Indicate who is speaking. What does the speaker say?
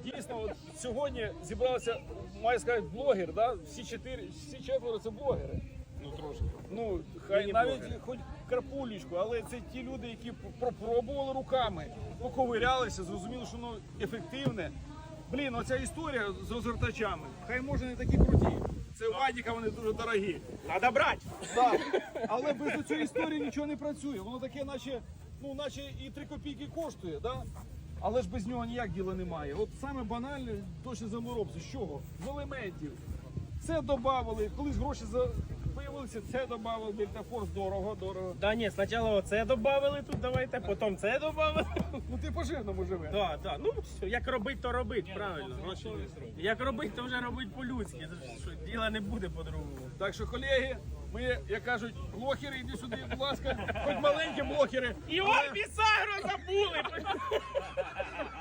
Speaker 1: дійсно, от сьогодні зібралися, маю сказати, блогер, да? всі четверо це блогери.
Speaker 2: Ну трошки.
Speaker 1: Ну, хай навіть хоч крапулечку, але це ті люди, які пропробували руками, поковирялися, зрозуміли, що воно ефективне. Блін, оця історія з розгортачами, хай може не такі круті. Це у Вадіка вони дуже дорогі.
Speaker 2: Надо брати!
Speaker 1: Так, але без цієї історії нічого не працює. Воно таке, наче і 3 копійки коштує, да? Але ж без нього ніяк діла немає. От саме банальне точно заморобці. З чого? З елементів. Це додавали, колись гроші появилися, це додавали, Дельтафорс дорого.
Speaker 2: Да ні, спочатку оце додали тут, давайте, потім це додали.
Speaker 1: Ну ти по-жирному живеш.
Speaker 2: Так, так, ну все, як робить, то робить, правильно. Як робить, то вже робить по-людськи. Діла не буде по-другому.
Speaker 1: Так що, колеги, ми, як кажуть, блогери, йди сюди, будь ласка, хоч маленькі блогери.
Speaker 2: І он Бісагро забули!